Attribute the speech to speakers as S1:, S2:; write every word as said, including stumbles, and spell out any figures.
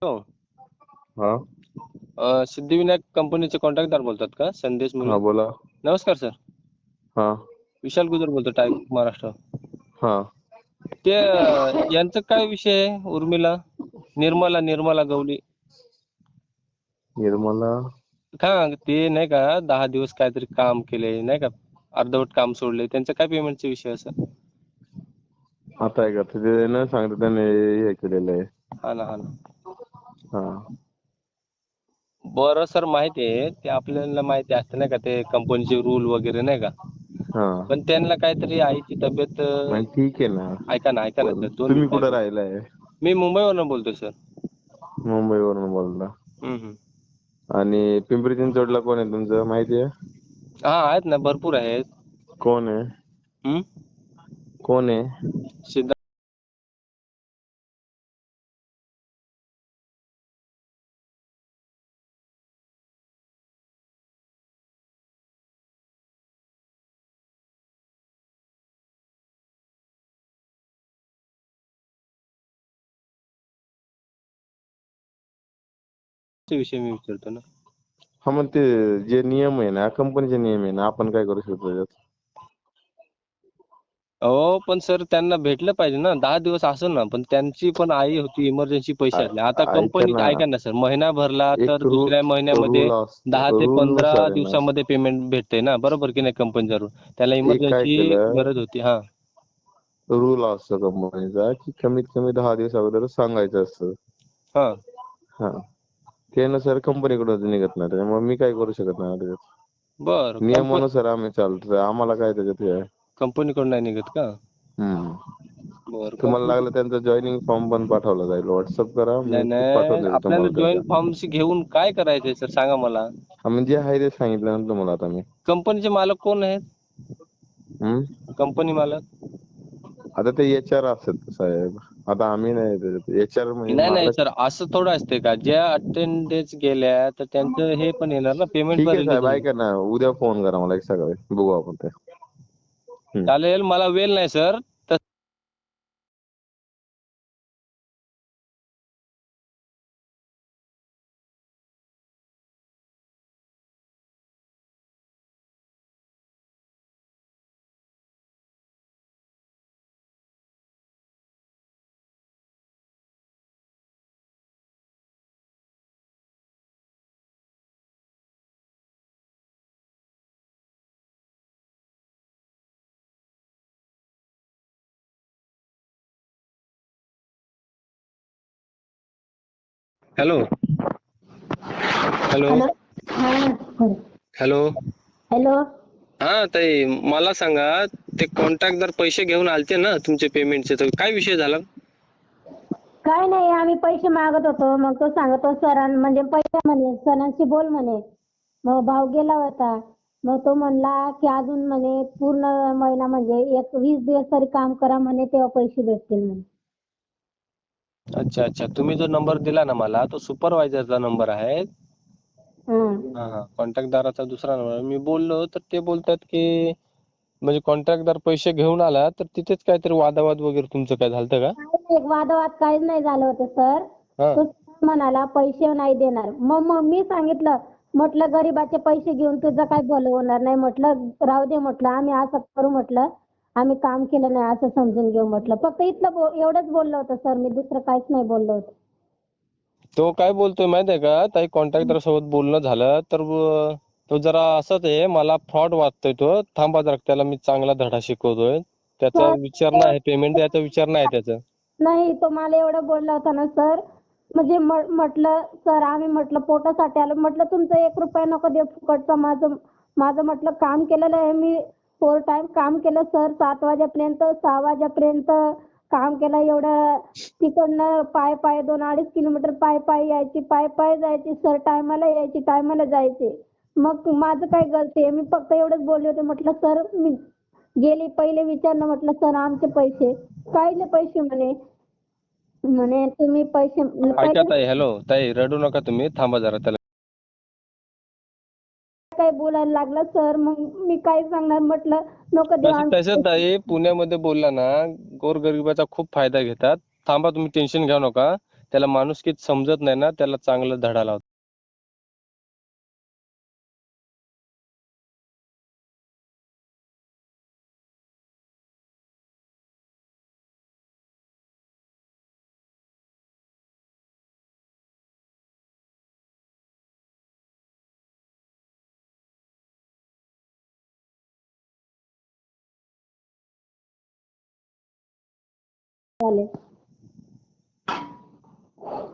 S1: हो.
S2: हा
S1: अ, सिद्धिविनायक कंपनीचे कॉन्ट्रॅक्टदार बोलतात का? संदेश
S2: हा
S1: मुले.
S2: बोला.
S1: नमस्कार सर.
S2: हा
S1: विशाल गुजर बोलतो, टाइप महाराष्ट्र.
S2: हा
S1: ते अ, यांचं काय विषय आहे? उर्मिला निर्मला निर्मला गवळी.
S2: निर्मला
S1: हा ते नाही का दहा दिवस काहीतरी काम केले नाही का, अर्धवट काम सोडले, त्यांचं काय पेमेंटचा विषय असं?
S2: आता आहे का ते न सांगता त्याने हे केलेलं आहे.
S1: हा ना हा ना.
S2: हा
S1: बरं सर, माहिती आहे ते आपल्याला माहिती असतं नाही का, ते कंपनीचे रूल वगैरे नाही का.
S2: हा
S1: पण त्यांना काहीतरी आईची तब्येत अ,
S2: नाही ठीक आहे ना.
S1: ऐका ना ऐका ना
S2: पण
S1: सर, दोन
S2: तुम्ही
S1: मिनिटं
S2: कुठं
S1: ऐका.
S2: राहिलाय?
S1: मी मुंबईवरून बोलतोय सर.
S2: मुंबईवरून बोलता.
S1: हम्म हम्म.
S2: आणि पिंपरी चिंचवडला कोण आहे तुमचं माहिती आहे?
S1: हा आहेत ना, भरपूर आहेत.
S2: कोण आहे?
S1: हम्म.
S2: कोण आहे?
S1: सिद्धार्थ चे विषय मी विचारतो ना.
S2: हा मग ते जे नियम आहे ना, कंपनीचे नियम आहे ना, आपण काय करू शकतो त्याच्यात?
S1: हो पण सर त्यांना भेटलं पाहिजे ना, दहा दिवस असं ना, पण त्यांची पण आई होती, इमर्जन्सी पैशातली. आता
S2: आ- ऐका
S1: कंपनी
S2: ना,
S1: ऐका ना सर, महिना भरला तर
S2: एक रू
S1: दुसऱ्या महिन्यामध्ये
S2: रूल
S1: दहा
S2: असतो,
S1: ते
S2: रूल
S1: पंधरा
S2: नुसार आहे ना.
S1: दिवसामध्ये पेमेंट भेटते ना, बरोबर की नाही कंपनीचा रूल. त्याला
S2: एक काय
S1: इमर्जन्सी
S2: केलं,
S1: गरज होती. हा
S2: रूल असतो कंपनीचा की कमीत कमी दहा दिवस अगोदर सांगायचं असतं.
S1: हा.
S2: हा त्यानुसार कंपनीकडून निघत नाही, त्यामुळे मी काय करू शकत नाही त्याच्यात.
S1: बर कंपनी
S2: नियमानुसार आम्ही चालतो, आम्हाला काय त्याच्यात हे आहे.
S1: कंपनीकडून नाही निघत का?
S2: हम्म.
S1: बर
S2: तुम्हाला
S1: कंपनी
S2: लागलं त्यांचा जॉईनिंग फॉर्म पण पाठवला जाईल, व्हॉट्सअप करा,
S1: नाही
S2: मी पाठवून
S1: नाही,
S2: देतो
S1: आपल्याला
S2: तुम्हाला
S1: जॉईन
S2: त्यांचा.
S1: फॉर्मशी घेऊन काय करायचंय सर, सांगा मला.
S2: हा म्हणजे आहे ते सांगितलं ना तुम्हाला आता मी.
S1: कंपनीचे मालक कोण आहेत?
S2: हम्म.
S1: कंपनी मालक
S2: आता ते एच आर असतात साहेब, आता आम्ही नाही त्याच्यात. एच आर म्हणजे
S1: नाही नाही
S2: मालक.
S1: सर, असं थोडं असते का, ज्या अटेंडन्स गेल्या तर त्यांचं हे पण येणार ना, पेमेंट
S2: ठीक
S1: पण
S2: आहे
S1: रिलीज
S2: साहेब,
S1: होईल.
S2: ऐका ना, उद्या फोन करा मला एक सकाळी, बघू आपण ते. हम्म.
S1: चालेल, मला वेळ नाही सर. Hello hello
S3: hello. हा.
S1: हॅलो.
S3: हॅलो.
S1: हा ताई, मला सांगा, ते कॉन्ट्रॅक्टदार पैसे घेऊन आलते ना तुमचे पेमेंटचे, तर काय विषय झाला?
S3: काय नाही, आम्ही पैसे मागत होतो, मग तो सांगतो सरां म्हणजे पैसे म्हणे सरांशी बोल म्हणे. मग भाव गेला होता, मग तो म्हणला की अजून म्हणे पूर्ण महिना म्हणजे एक वीस दिवस तरी काम करा म्हणे, तेव्हा पैसे भेटतील म्हणे.
S1: अच्छा अच्छा, तुम्ही जो नंबर दिला ना मला, तो सुपरवायझरचा नंबर आहे.
S3: हं.
S1: हा हा, कॉन्ट्रॅक्टदाराचा दुसरा नंबर. मी बोललो तर ते बोलतात की म्हणजे कॉन्ट्रॅक्टदार पैसे घेऊन आला तर तिथेच काहीतरी वादावाद वगैरे तुमचं काय झालतं का?
S3: काही नाही, वादवाद काहीच नाही झालं होतं सर.
S1: हा.
S3: तो म्हणाला पैसे नाही देणार. मग मग मी सांगितलं, म्हटलं गरीबाचे पैसे घेऊन तुझं काय भलं होणार नाही, म्हटलं राहू दे, म्हटलं आम्ही असं करू, म्हटलं आम्ही काम केलं नाही असं समजून घेऊ, म्हटलं फक्त इथलं बो एवढंच बोललो होतं सर मी, दुसरं काहीच नाही बोललो होतं.
S1: तो काय बोलतोय माहिती आहे का ताई, कॉन्ट्रॅक्टर सोबत बोलणं झालं तर अ, तो जरा असंच आहे, मला फ्रॉड वाटतोय तो. थांबा जरा, त्याला मी चांगला धडा शिकवतोय. त्याचा
S3: सर
S1: विचार नाही पेमेंट द्यायचा विचार नाही त्याचा.
S3: नाही, तो मला एवढं बोलला होता ना सर, म्हणजे म्हटलं सर आम्ही म्हटलं पोटासाठी आलो, म्हटलं तुमचं एक रुपया नको देऊ फुकटचं. माझं माझं म्हटलं काम केलेलं आहे मी, फोर टाइम काम केलं सर, सात वाजेपर्यंत सहा वाजेपर्यंत काम केलं. एवढं तिकडनं पाय पाय दोन अडीच किलोमीटर पाय पाय यायची, पाय पाय जायची सर, टायमाला यायची टायमाला जायचे. मग माझं काय गलती आहे? मी फक्त एवढंच बोलले होते, म्हटलं सर मी गेली पहिले विचारलं, म्हटलं सर आमचे पैसे, कायले पैसे म्हणे, म्हणे तुम्ही पैसे
S1: ऐका
S3: पहिले
S1: ताई, हॅलो ताई, रडू नका तुम्ही, थांबा जरा. त्याला
S3: काय बोलायला लागला सर, मग मी काय सांगणार, म्हटलं नको देऊ
S1: तसं
S3: आमचे
S1: तसं
S3: पैसे.
S1: ताई, पुण्यामध्ये बोलला ना, गोरगरिबाचा खूप फायदा घेतात. थांबा तुम्ही, टेन्शन घेऊ नका. त्याला माणुसकीच समजत नाही ना, त्याला चांगला धडा लावतो.
S3: चालेल.